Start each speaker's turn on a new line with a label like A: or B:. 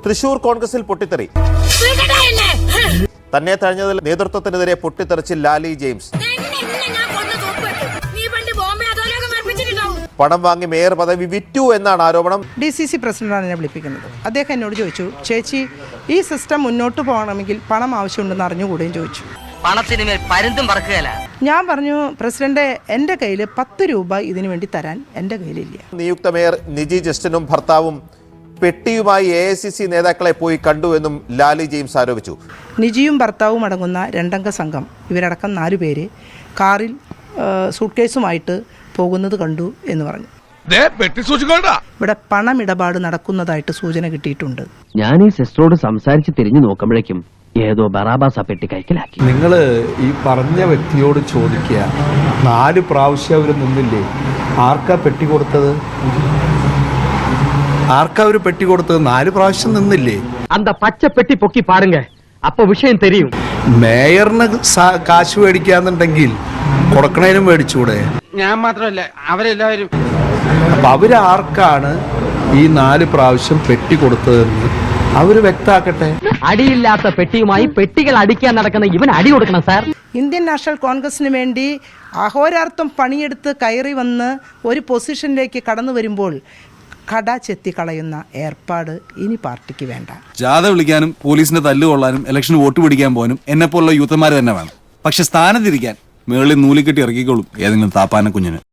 A: തൃശൂർ കോൺഗ്രസിൽ പൊട്ടിത്തെറി. തന്നെ തഴഞ്ഞതിൽ നേതൃത്വത്തിനെതിരെ പൊട്ടിത്തെറിച്ച് ലാലി ജെയിംസ്. പണം വാങ്ങി മേയർ പദവി വിറ്റു എന്നാണ് ആരോപണം.
B: DCC പ്രസിഡന്റാണ് എന്നെ വിളിപ്പിക്കുന്നത്. അദ്ദേഹം എന്നോട് ചോദിച്ചു, ചേച്ചി ഈ സിസ്റ്റം മുന്നോട്ട് പോകണമെങ്കിൽ പണം ആവശ്യമുണ്ടെന്ന് അറിഞ്ഞുകൂടെയും ചോദിച്ചു.
C: പണത്തിന് മേൽ പരുന്തും പറക്കുകയല്ല.
B: ഞാൻ പറഞ്ഞു, പ്രസിഡന്റ്, എൻ്റെ കയ്യിൽ 10 രൂപ ഇതിനു വേണ്ടി തരാൻ എൻ്റെ കയ്യിലില്ല.
A: നിയുക്ത മേയർ നിജി ജസ്റ്റിനും ഭർത്താവും പെട്ടിയുമായി AICC നേതാക്കളെ പോയി കണ്ടുവെന്നും ലാലി ജെയിംസ് ആരോപിച്ചു.
B: നിജിയും ഭർത്താവും അടങ്ങുന്ന 2 അംഗ സംഘം, ഇവരടക്കം 4 പേര് കാറിൽ സൂട്ട്കേസുമായിട്ട് പോകുന്നത് കണ്ടു എന്ന് പറഞ്ഞു. ഇവിടെ പണമിടപാട് നടക്കുന്നതായിട്ട് സൂചന കിട്ടിയിട്ടുണ്ട്.
D: ഞാൻ ഈ സിസ്റ്ററോട് സംസാരിച്ച് തിരിഞ്ഞു നോക്കുമ്പോഴേക്കും ഏതോ ബറാബാസ പെട്ടി കൈക്കലാക്കി.
E: നിങ്ങൾ ഈ പറഞ്ഞ വ്യക്തിയോട് ചോദിക്കുക, 4 പ്രാവശ്യം അവർ നിന്നില്ലേ? ആർക്കാ പെട്ടി കൊടുത്തത്? ആർക്കാ അവർ പെട്ടി കൊടുത്തത്? 4 പ്രാവശ്യം നിന്നില്ലേ?
D: അന്ത പച്ച പെട്ടി പൊക്കി പാടുങ്ക, അപ്പൊ വിഷയം തെരിയും.
E: മേയറിന് കാശ് മേടിക്കാന്നുണ്ടെങ്കിൽ കൊടുക്കണേനും മേടിച്ചൂടെ?
C: ഞാൻ മാത്രമല്ല, അവരെല്ലാവരും.
E: അപ്പൊ അവരാർക്കാണ് ഈ 4 പ്രാവശ്യം പെട്ടി കൊടുത്തതെന്ന് അവര് വ്യക്താക്കട്ടെ.
D: അടിയില്ലാത്ത പെട്ടിയുമായി പെട്ടികൾ അടിക്കാൻ നടക്കുന്ന ഇവൻ അടി കൊടുക്കണം സാർ.
B: ഇന്ത്യൻ നാഷണൽ കോൺഗ്രസിന് വേണ്ടി അഹോരാർത്ഥം പണിയെടുത്ത് കയറി വന്ന് ഒരു പൊസിഷനിലേക്ക് കടന്നു വരുമ്പോൾ കട ചെത്തിക്കളയുന്ന ഏർപ്പാട് ഇനി പാർട്ടിക്ക് വേണ്ട.
F: ജാഥ വിളിക്കാനും പോലീസിന്റെ തല്ലുകൊള്ളാനും ഇലക്ഷന് വോട്ട് പിടിക്കാൻ പോകാനും എന്നെപ്പോലുള്ള യൂത്തന്മാർ തന്നെ വേണം. പക്ഷെ സ്ഥാനത്തിരിക്കാൻ മേളിൽ നൂലിക്കെട്ടി ഇറക്കിക്കോളും ഏതെങ്കിലും താപ്പാന കുഞ്ഞിന്.